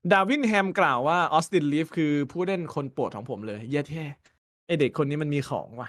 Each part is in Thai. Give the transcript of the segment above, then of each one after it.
ดาวินแฮมกล่าวว่าออสตินลีฟคือผู้เล่นคนโปรดของผมเลยเย้แท้ไอเด็กคนนี้มันมีของว่ะ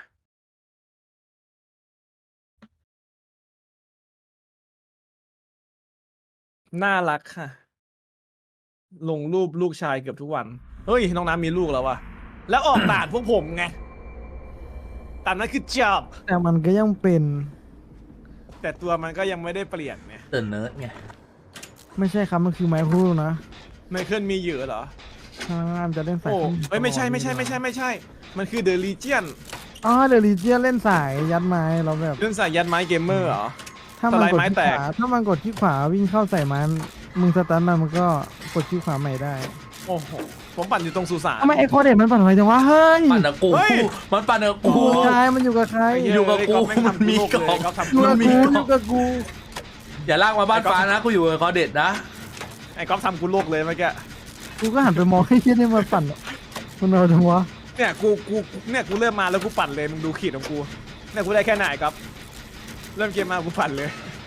น่ารักค่ะ ลงรูปลูกชายเกือบทุกวัน เฮ้ย น้องน้ำมีลูกแล้วว่ะ แล้วออกด่านพวกผมไงแต่นั่นคือ job แต่มันก็ยังเป็นแต่ตัวมันก็ยังไม่ได้เปลี่ยนไงเติร์นเนิร์ดไงไม่ใช่ครับมันคือไมโครนะไมเคิลมีเยอะเหรอถ้ามันจะเล่นสายโอ้ขึ้นเฮ้ยไม่ใช่ มันคือ The Legion อ๋อเดลิเจียเล่นสายยัดไม้เราแบบเรื่องสายยันไม้เกมเมอร์เหรอถ้ามันสไลด์กดไม้ที่แตขกวาถ้ามันกดที่ขวาวิ่งเข้าใส่มันมึงสตันมันก็กดที่ขวาใหม่ได้โอ้โห ผมปั่นอยู่ตรงสุสานทำไมไอ้โคเด็ดมันปั่นไวจังวะเฮ้ยปั่นกับกูเฮ้ยมันปั่นกับกูอยู่กับใครมันอยู่กับใครไเหี้อยู่กับกูไอ้ก๊อฟแงทำมันมีโลกกล่องเลยก๊อฟทำอยู่กับมันมีกูกล่องอยู่กับกูอย่าลากมาบ้านฟ้านะกูอยู่กับคอเด็ดนะไอ้ก๊อฟทำกูโลกเลยเมื่อกี้กูก็หันไปมองให้เชี่ยนี่มันปั่นมันเอาจังวะเนี่ยกูเริ่มมาแล้วกูปั่นเลยมึงดูขีดของกูเนี่ยกูได้แค่ไหนครับเริ่มเกมมากูปั่นเลย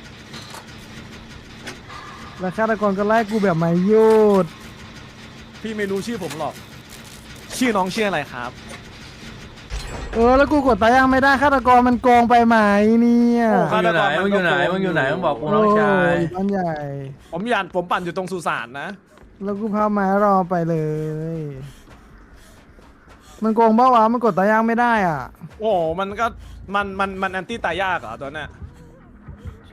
แล้วฆาตกรก็ไล่กูแบบไม่หยุดพี่ไม่รู้ชื่อผมหรอก ชื่อน้องชื่ออะไรครับแล้วกูกดตายยังไม่ได้ฆาตกรมันโกงไปไหมเนี่ยโอ้มึงอยู่ไหนมึงอยู่ไหนมึงอยู่ไหนมึงบอกกูน้องชายโบ้านใหญ่ผมปั่นอยู่ตรงสุสานนะแล้วกูพาไม้รอไปเลย มันโกงเปล่าวะมันกดตายยังไม่ได้อ่ะโอ้มันก็มันแอนตี้ตายยากเหรอตัวเนี้ยใช่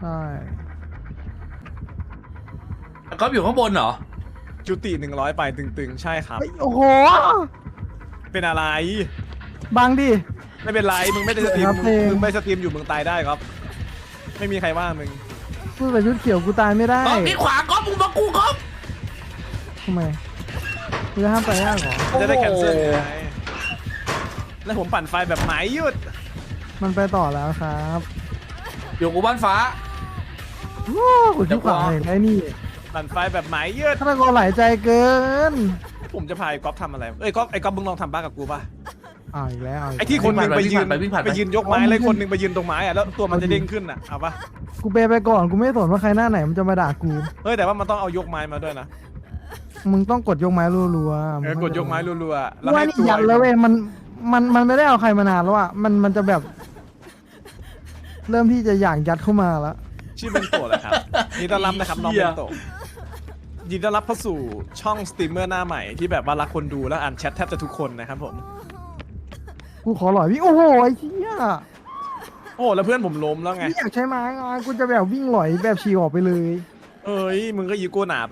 ก๊อฟอยู่ข้างบนเหรอจุติ100ไปตึงๆ ใช่ครับเฮ้ยโอ้โหเป็นอะไรบังดิไม่เป็นไรมึงไม่ได้สตรีมครับมึงไม่สตรีมอยู่มึงตายได้ครับ ไม่มีใครว่ามึงพูดแต่ชุดเขียวกูตายไม่ได้ก๊อฟนี่ขวาก๊อฟมึงมากูก๊อฟทำไมกูจะห้ามตายยากเหรอจะได้โอ้โหแคนเซิลไงแล้วผมปั่นไฟแบบไหมหยุดมันไปต่อแล้วครับอยู่กูบ้านฟ้าโอ้กดที่ขวาเห็นไอ้นี่ปั่นไฟแบบไหมหยุดฆาตกรหลายใจเกินผมจะพาไอ้ก๊อฟทำอะไรเอ้ยก๊อฟไอ้ก๊อฟมึงลองทำบ้ากับกูป่ะอ้าวอีกแล้วาวกไอ้ที่คนหนึ่งไปยืนวิ่งผ่านไปไปยืนยกไม้แล้วคนหนึ่งไปยืนตรงไม้อะแล้วตัวมันจะเด้งขึ้นอะเอาปะกูเปย์ไปก่อนกูไม่สนว่าใครหน้าไหนมันจะมาด่ากูเฮ้ยแต่ว่ามันต้องเอายกไม้มาด้วยนะมึงต้องกดยกไม้รัวๆกดยกไม้รัวๆแล้วว่าให้นี่ตัวยันแล้วเว้ยมันไม่ได้เอาใครมานานแล้วอ่ะมันจะแบบ เริ่มที่จะอยากยัดเข้ามาแล้วชื่อเบนโตะแหละครับยินดีต้อนรับนะครับน้องเบนโตะยินดีต้อนรับเข้าสู่ช่องสตรีมเมอร์หน้าใหม่ที่แบบว่ารักคนดูและอ่านแชทแทบจะทุกคนนะครับผมกูขอหล่อยวิ่งโอ้โหไอ้เหี้ยโอ้แล้วเพื่อนผมล้มแล้วไงไม่อยากใช้ไม้ไงกูจะแบบวิ่งหล่อยแบบฉีกออกไปเลยเอ้ยมึงก็ยีโก้หนาไป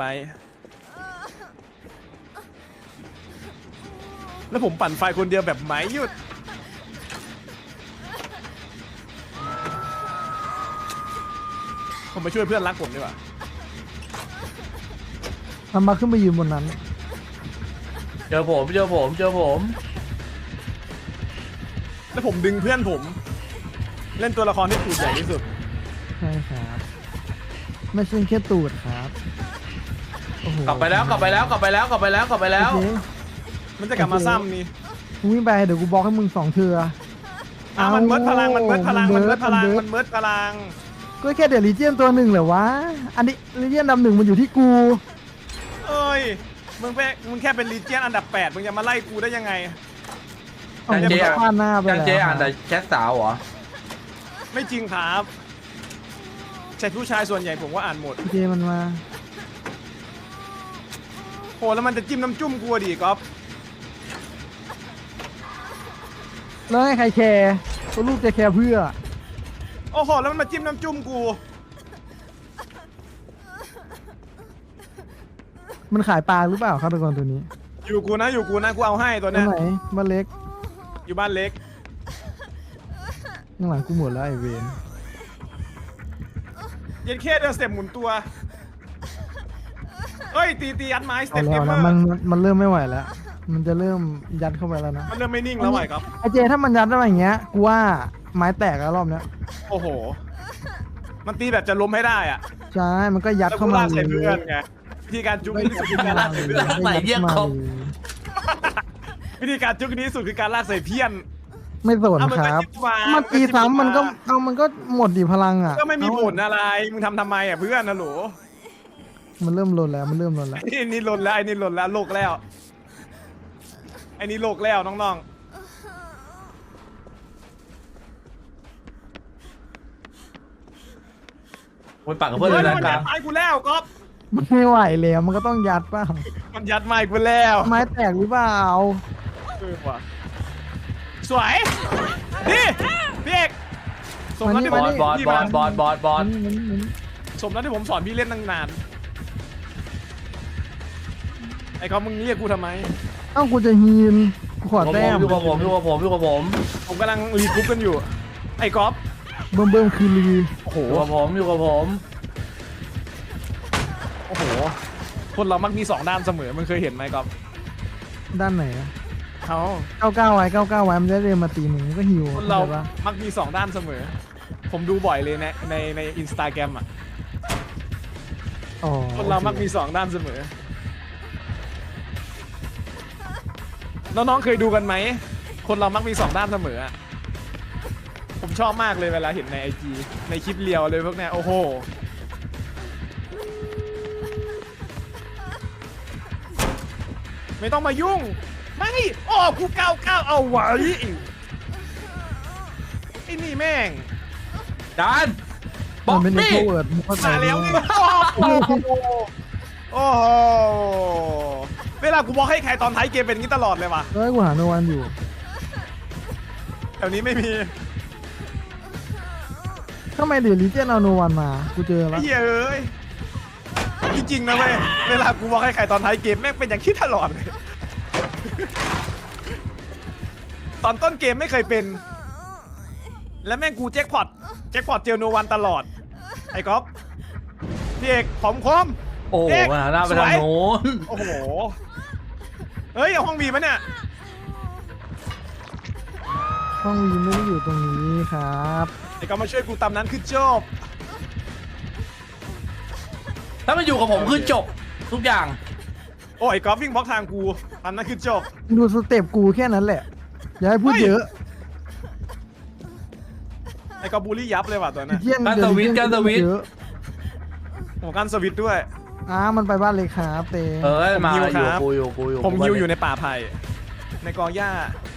แล้วผมปั่นไฟคนเดียวแบบไหมหยุดผมไปช่วยเพื่อนรักผมดีกว่าทำมาขึ้นไปยืนบนนั้นเจอผมแล้วผมดึงเพื่อนผม เล่นตัวละครที่ตูดใหญ่ที่สุดใช่ครับไม่ใช่แค่ตูดครับโอ้โหกลับไปแล้วโอเคมันจะกลับมาซ้ำนี่มึงวิ่งไปเดี๋ยวกูบอกให้มึง2 เทือมันเมิดพลัง มันเมิดพลังมัมันนเมิเมิดดพลังมันเมิดมันเมิดพลังก็แค่เดี๋ยวลีเจียนตัวหนึ่งเหรอวะอันนี้ลีเจียนดำหนึ่งมันอยู่ที่กูเอ้ย มึงแค่เป็นลีเจียนอันดับ 8 มึงจะมาไล่กูได้ยังไงเอาจังเจมึงก็พลาดหน้าไปจังแล้วเจอ่านแต่แชทสาวเหรอไม่จริงครับแชทผู้ชายส่วนใหญ่ผมว่าอ่านหมดเจมันมาโหแล้วมันจะจิ้มน้ำจุ้มกูอะดิก๊อฟแล้วให้ใครแคร์ตัวลูกจะแคร์เพื่อโอ้โหแล้วมันมาจิ้มน้ำจุ้มกูมันขายปลาหรือเปล่าฆาตกรตัวนี้อยู่กูนะกูเอาให้ตัวตัวเนี้ยไหนบ้านเล็กอยู่บ้านเล็กข้างหลังกูหมดแล้วไอเวนเย็นแค่เดินสเต็ปหมุนตัวเฮ้ยตียัดไม้สเอาเต็ปแล้เกวมเมนะอร์มันเริ่มไม่ไหวแล้ว มันจะเริ่มยัดเข้าไปแล้วนะมันเริ่มไม่นิ่งแล้วไหวครับไอเจถ้ามันยัดได้อย่างเงี้ยกูว่าไม้แตกแล้วรอบเนี้ยโอ้โห มันตีแบบจะล้มให้ได้อะใช่มันก็ยัดแล้วเข้ากูมาลากใส่เพื่อนไงวิธีการจุกนี้สุดคือการลากใส่เพื่อนใส่เยี่ยมครบวิธีการจุกนี้สุดคือการลากใส่เพี้ยนไม่สนเอามันคก็รับจิ้มมามันตีซ้ำมันก็จิ้มันก็หมดดิพลังอ่ะก็ไม่มีผลอะไร มึงทำไมอ่ะเพื่อนนะโหลมันเริ่มลนแล้วมันเริ่มลนแล้วไอ้นี่หล่นแล้วไอ้นี่หล่นแล้วโลกแล้วไอ้นี่โลกแล้วน้องไปปั่นกับๆเพื่อนเลยฮ้นะมันกลายังดไม้กูแล้วก๊อฟมันไม่ไหวแล้วมันก็ต้องยัดเปล่ามันยัดไม้กูแล้วไม้แตกหรือเปล่าว่ะสวยนี่พี่เอกสมแล้วที่บผมอลบอลพี่บอมาลบอลบอลบอลสมแล้วที่ผมสอนพี่เล่นตั้งนานไอ้ก๊อฟมึงเรียกกูทำไมเอ้ากูจะฮีนกูขอแต้มอยู่กับผมอยู่กับผมอยู่กับผมผมกำลังรีกรุ๊ปกันอยู่ ไอ้ก๊อฟเบิ่มคือรีโอ้โหอยู่กับผมอยู่กับผมโอ้โหคนเรามักมีสองด้านเสมอมันเคยเห็นไหมก๊อฟด้านไหนอะเขา 99 ไว้ 99 ไว้มันจะเดินมาตีมึงก็หิวคนเราเข้าใจปะมักมีสองด้านเสมอ ผมดูบ่อยเลยในอินสตาแกรมอ่ะอ๋อคนเรามักมีสองด้านเสมอ น้องๆเคยดูกันไหม คนเรามักมีสองด้านเสมออะผมชอบมากเลยเวลาเห็นในไอจีในคลิปเรียวเลยพวกเนี้ยโอ้โห ไม่ต้องมายุ่ง ไม่โอ้กูก้าวเอาไว้ไอ้นี่แม่งจานบมัอน กเป็นนี่โทรเวิร์ดมึงเข้าใจมาแล้วไหมไงโอ้โหโอ้โหเวลากูบอกให้ใครตอนท้ายเกมเป็นอย่างนี้ตลอดเลยว่ะเฮ้ยกูหาโนวันอยู่แถวนี้ไม่มีทำไมเดี๋ยวลิเจนเอาโนวันมากูเจอไอ้แล้วเหี้ยเอ้ยจริงๆนะเว้ยเวลากูบอกให้ใครตอนท้ายเกมแม่งเป็นอย่างที่ตลอดเลยตอนต้นเกมไม่เคยเป็น และแม่งกูแจ็คพอตเจอโนวันตลอดไอ้ก๊อฟพี่เอกผอมคมโอ้โหมาหน้าไปทางโน้นโอ้โหเฮ้ยเอาห้องบีมาเนี่ยห้องวีไม่ได้อยู่ตรงนี้ครับไอ้ก๊อฟมาช่วยกูตามนั้นคือจบถ้ามันอยู่กับผมคือจบทุกอย่างโอ้ยก๊อฟวิ่งบล็อกทางกูตามนั้นคือจบดูสเต็ปกูแค่นั้นแหละ อย่าให้พูดเฮ้ยเยอะไอ้ก๊อฟบูลลี่ยับเลยว่ะตัวนั้นเที่ยงการสวิตช์การสวิตช์เยอะโอ้การสวิตช์ด้วยมันไปบ้านเลยครับเตเออมาผมหิวอครัยู่บกูอยู่กูอยู่ผมฮิวอยู่ในป่าไผ่ในกองหญ้า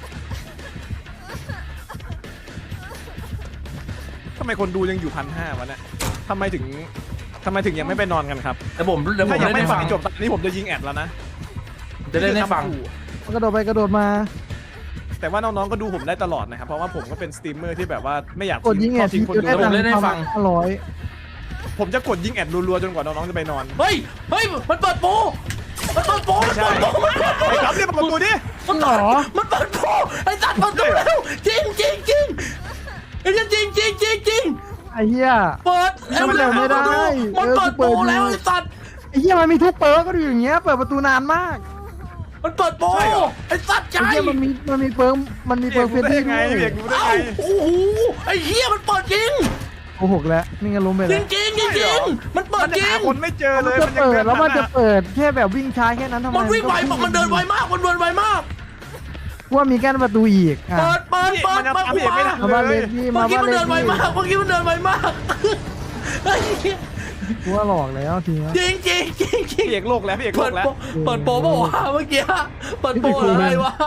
ทำไมคนดูยังอยู่1,500วะเนี่ยทำไมถึงยังไม่ไปนอนกันครับแต่ผมเดี๋ยวผมถ้ายังเล่นไม่ให้ฟัฟังงจบตอนนี้ผมจะยิงแอดแล้วนะจะเล่นให้ฟังมันกระโดดไปกระโดดมาแต่ว่าน้องๆก็ดูผมได้ตลอดนะครับเพราะว่าผมก็เป็นสตรีมเมอร์ที่แบบว่าไม่อยากกดยิงแอดทิ้ทีงคนจะดูได้ตังเล่นให้ค์ฟัง 500 ผมจะกดยิงแอดรัวๆจนกว่าน้องๆจะไปนอนเฮ้ยเฮ้ยมันเปิดโปรมันเปิดโปรไม่ใช่ ไอ้ครับเรียกประตูดิมันเปิดมันเปิดโปรไอ้สัตว์เปิดโปรแล้วจริงจริงจริงไอ้จริงจริงจริงจริงไอ้เหี้ยเปิดมันเปิดไม่ได้มันเปิดโปรแล้วไอ้สัตว์ไอ้เหี้ยมันมีทุกเปิร์กก็ดูอย่างเงี้ยเปิดประตูนานมากมันเปิดโปรไอ้สัตว์ใจไอ้เหี้ยมันมีเปิร์กมันมีเปิร์กเฟเรียกรกูนได้ลี่ไงด้เรีวยกกูได้เอ้าไงโอ้โหไอ้เหี้ยมันเปิดจริงโกหกแล้วนี่ไงล้มไปจแล้ริวงจริงจริงจริงมันเปิมัดนจจะริหาง คนไม่เจอเลยมันจะเปิดแล้วมันจะเปิดแค่แบบวิ่งช้าแค่นั้นทำไมมันวิ่งไวมันเดินไวมากมันเดินไวมากว่ามีกั้นประตูอีกอ่ะเปิดมันจะทำพี่เอกไม่ทันมาบ้านเลเลย ขที่เมื่มาอกี้บ้านมันเลเดิขนไวที่มากเมื่อกี้มันเดินไวมากเฮ้ยกูว่าหลอกแล้วทีนี้จริงจริงจริงจริงพี่เอกโลกแล้วพี่เอกโลเปิดกแล้วโปรเปิดโปรเปล่าวะเมื่อกี้เปิดโปรหรืออะไรวะ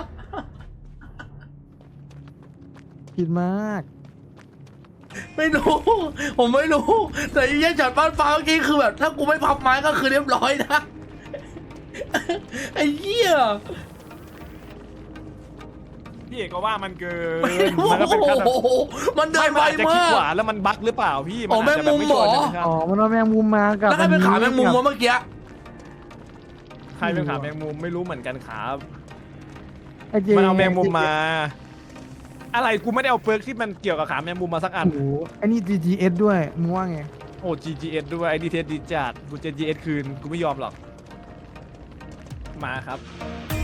ผิดมากไม่รู้ผมไม่รู้แต่ไอ้เหี้ยช็อตบ้านฟ้าเมื่อกี้คือแบบถ้ากูไม่พับไม้ก็คือเรียบร้อยนะไอ้เหี้ยพี่เอกก็ว่ามันเกินโอ้มันก็เป็นขั้นโหมันเดิไม่นมันไวอาจจะคิดมากขวาแล้วมันบั๊กหรือเปล่าพี่อ๋ออาจจะแบบแมงมุมเหรอชัวร์ใช่ไหมครับอ๋อมันเอาแมงมุมมากับแล้วใครเป็นขาแมงมุมวะเมื่อกี้ใครเป็นขาแมงมุมไม่รู้เหมือนกันครับไอ้เจมันเอาแมงมุมมา อะไรกูไม่ได้เอาเปิร์กที่มันเกี่ยวกับขาแมงมุมมาสักอันโอ้โหไอ้นี่ GGS ด้วยมึงว่าไงโอ้ GGS ด้วยไอ้ดีเทสดีจัดกูจะ GS คืนกูไม่ยอมหรอกมาครับ